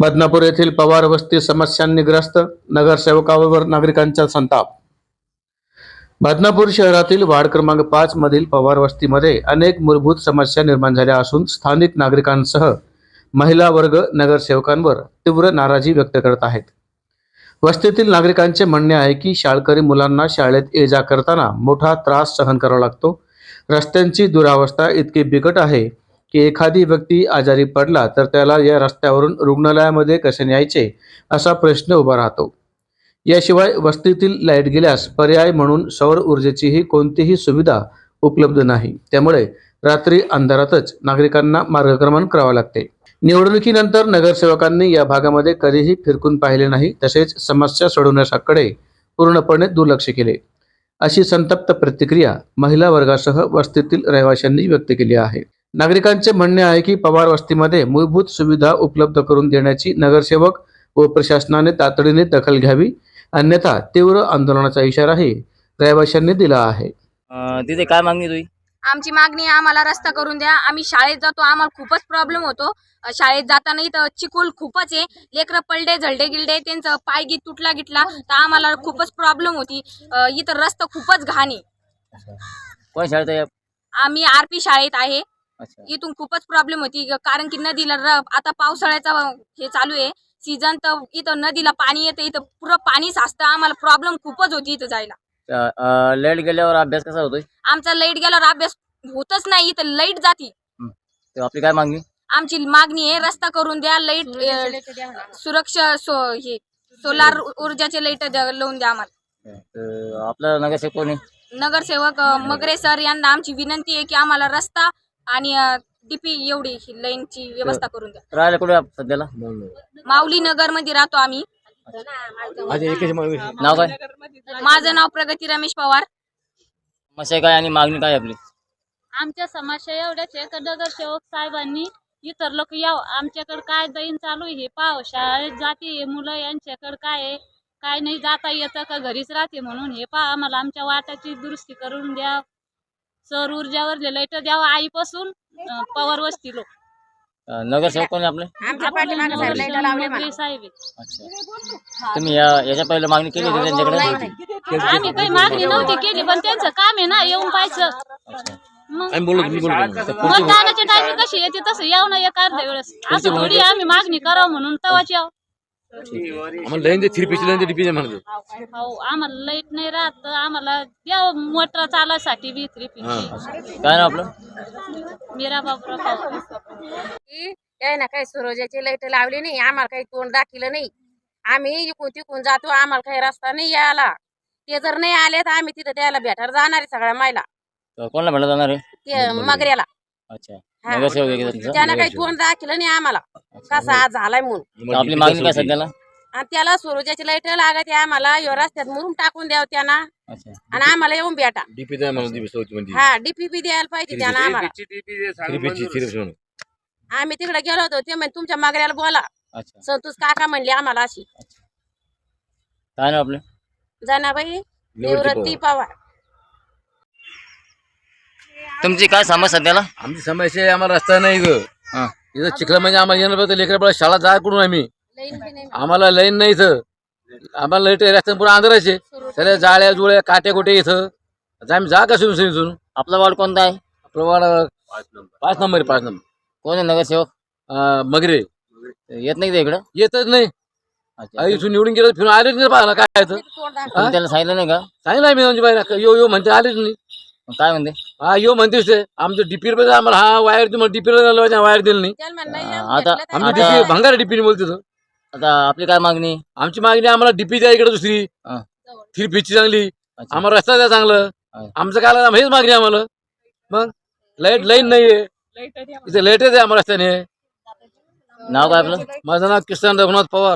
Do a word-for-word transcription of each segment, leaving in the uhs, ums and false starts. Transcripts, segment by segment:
बदनापूर येथील पवार वस्ती समस्यांनी ग्रस्त, नगरसेवकावर नागरिकांचा संताप। बदनापूर शहरातील वार्ड क्रमांक पाच मधील पवार वस्तीमध्ये अनेक मूलभूत समस्या निर्माण झाल्या असून स्थानिक नागरिकांसह महिला वर्ग नगरसेवकांवर तीव्र नाराजी व्यक्त करत आहेत। वस्तीतील नागरिकांचे म्हणणे आहे की शाळकरी मुलांना शाळेत ये जा करताना मोठा त्रास सहन करावा लागतो। रस्त्यांची दुरावस्था इतकी बिकट आहे की एखादी व्यक्ती आजारी पडला तर त्याला या रस्त्यावरून रुग्णालयामध्ये कसे न्यायचे असा प्रश्न उभा राहतो। याशिवाय वस्तीतील लाईट गेल्यास पर्याय म्हणून सौर ऊर्जेचीही कोणतीही सुविधा उपलब्ध नाही, त्यामुळे रात्री अंधारातच नागरिकांना मार्गक्रमण करावे लागते। निवडणुकीनंतर नगरसेवकांनी या भागामध्ये कधीही फिरकून पाहिले नाही, तसेच समस्या सोडवण्याकडे पूर्णपणे दुर्लक्ष केले, अशी संतप्त प्रतिक्रिया महिला वर्गासह वस्तीतील रहिवाशांनी व्यक्त केली आहे। नागरिकांचे म्हणणे आहे की पवार वस्तीमध्ये मूलभूत सुविधा उपलब्ध करून देण्याची नगरसेवक व प्रशासनाने तातडीने दखल घ्यावी, अन्यथा तीव्र आंदोलनाचा इशाराही रहिवाशांनी दिला आहे। तिथे काय मागणी तुझी? आमची मागणी आम्हाला रस्ता करून द्या। आम्ही शाळेत जातो, आम्हाला खूपच प्रॉब्लेम होतो। शाळेत जाताना इथं चिखल खूपच आहे, लेकरं पलडे झलडे गिलडे त्यांचं पाय गी तुटला गिटला तर आम्हाला खूपच प्रॉब्लेम होती। इथं रस्ता खूपच घाण आहे। कोण शाळेत आहे? आम्ही आर पी शाळेत आहे। इथून खूपच प्रॉब्लेम होती, कारण की नदीला आता पावसाळ्याचा हे चालू आहे सीझन, तर इथं नदीला पाणी येतं, इथं पुरं पाणी साचतं। आम्हाला प्रॉब्लेम खूपच होती इथं जायला। लाईट गेल्यावर अभ्यास कसा होतोय? आमचा लाईट गेल्यावर अभ्यास होतच नाही, इथं लाईट जाती। आपली काय मागणी? आमची मागणी आहे रस्ता करून द्या, लाईट सुरक्षा सो हे सोलार ऊर्जाचे लाईट लावून द्या आम्हाला। आपला नगरसेवक कोण आहे? नगरसेवक मगरे सर यांना आमची विनंती आहे की आम्हाला रस्ता आणि डीपी एवढी लाईनची व्यवस्था करून द्या। राहायला कुठे सध्याला? माऊली नगर मध्ये राहतो आम्ही। नाव काय? माझं नाव प्रगती रमेश पवार। समस्या काय आणि मागणी काय आपली? आमच्या समस्या एवढ्याच आहे की नगरसेवक साहेबांनी इतर लोक याव, आमच्याकडे काय दैन चालू आहे हे पाव। शाळेत जाते मुलं, यांच्याकडे काय आहे काय नाही, जाता येतं का घरीच राहते म्हणून हे पा आम्हाला आमच्या वाटाची दुरुस्ती करून द्या। सौर ऊर्जावर लाईट द्यावा आईपासून पवार वस्ती लोक। नगरसेवक कोण आपले? साहेब। तुम्ही याच्या पहिले मागणी केली होती त्यांच्याकडे? आम्ही काही मागणी नव्हती केली, पण त्यांचं काम आहे ना येऊन पाहायचं। मतदानाची टायमिंग कशी येते तसं येऊ ना एक अर्ध्या वेळेस, असं थोडी आम्ही मागणी करावं म्हणून तवाच याव। हो, आम्हाला लाईट नाही राहत, आम्हाला द्या मोटर चालायसाठी बी थ्री पी। काय ना आपलं? मीरा बाबूराव। काय ना काही सूर्याची लाईट लावली नाही, आम्हाला काही तोंड दाखिलं नाही। आम्ही इकून तिकून जातो, आम्हाला काही रस्ता नाही यायला। ते जर नाही आले तर आम्ही तिथं त्याला भेटायला जाणार आहे सगळ्या महिला। कोणाला भेटायला जाणार आहे? ते मगऱ्याला। अच्छा, नगरसेवक त्यानं काही तोंड दाखिलं नाही आम्हाला कसा आज झालाय म्हणून। आपली मागणी काय सध्याला? आणि त्याला सूर्याची लाईट लागत आहे आम्हाला, यो रस्त्यात मुरुम टाकून द्यावं त्यांना आणि आम्हाला येऊन भेटा। हा, डीपीपी द्यायला पाहिजे त्यांना आम्हाला। आम्ही तिकडे गेलो होतो, ते म्हणजे तुमच्या मगऱ्याला बोला, संतोष काका म्हणले आम्हाला अशी। काय ना आपलं? जनाबाई निवृत्ती पवार। तुमची काय समस्या सध्याला? आमची समस्या आहे, आम्हाला रस्ता नाही ग। इथं चिखला म्हणजे आम्हाला येणं पडतं, लेकरं शाळा जा कुठून आम्ही, आम्हाला लाईन नाही इथं। आम्हाला लाईट रस्त्यात पुढे आंधळायचे सगळ्या जाळ्या जुळ्या काट्या कुठे इथं, आम्ही जा का सुरू इथून? आपला वॉर्ड कोणता आहे? आपलं वार्ड पाच नंबर आहे, पाच नंबर। कोण आहे नगरसेवक? मगरे येत नाही इकडं? येतच नाही, इथून निवडून गेलं फिरून आलेच नाही पाहायला काय त्याला सांगितलं नाही का? सांगितलं आम्ही म्हणजे बाहेर यो यो म्हणते, आलेच नाही। काय म्हणते? हा यो म्हणतेच ते आमचं डीपीर मध्ये आम्हाला हा वायर तुम्हाला डीपीर वायर दिलं नाही। आता आमची डीपी भंगार डीपी बोलते तो। आता आपली काय मागणी? आमची मागणी आम्हाला डीपी द्या इकडे दुसरी थ्री पीची चांगली, आम्हाला रस्ता द्या चांगलं। आमचं काय हेच मागणी आम्हाला। मग लाईट लाईन नाहीये इथे, लाईटच आहे आम्हाला रस्त्याने। नाव काय आपलं? माझं नाव किसन रघुनाथ पवार।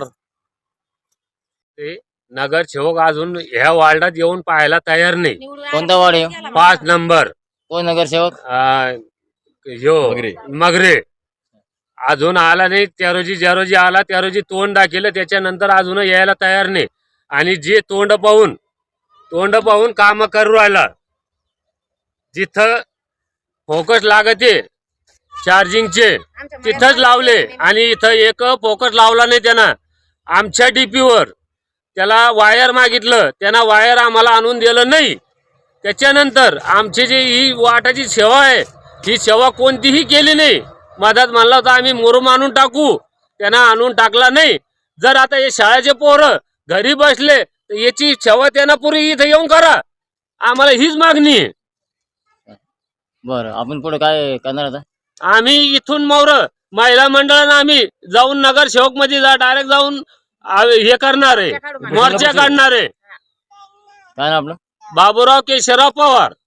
नगरसेवक अजून ह्या वार्डात येऊन पाहायला तयार नाही। कोणता वार्ड आहे? पाच नंबर। कोण नगरसेवक? यो मगरे अजून आला नाही। त्या रोजी ज्या रोजी आला त्या रोजी तोंड दाखिलं, त्याच्यानंतर अजून यायला तयार नाही। आणि जे तोंड पाहून तोंड पाहून काम करू राहिला, जिथं फोकस लागते चार्जिंगचे आमच्या तिथंच मळ्यात लावले पाणी नाही. आणि इथं एक फोकट लावला नाही त्यांना. आमच्या डीपीवर त्याला वायर मागितलं, त्यांना वायर आम्हाला आणून दिलं नाही. त्याच्यानंतर आमची जी ही वाटाची सेवा आहे ही सेवा कोणतीही केली नाही. मधात म्हणला होता आम्ही मुरुम आणून टाकू, त्यांना आणून टाकला नाही. जर आता हे शाळेचे पोरं घरी बसले तर याची सेवा त्यांना पुरी इथं येऊन करा, आम्हाला हीच मागणी आहे. बरं, आपण पुढे काय करणार आता? आम्ही इथून मोर महिला मंडळानं आम्ही जाऊन नगरसेवक मध्ये जा डायरेक्ट जाऊन आ- हे करणार आहे, मोर्चा काढणार आहे. काय ना आपलं? बाबूराव केशवराव पवार.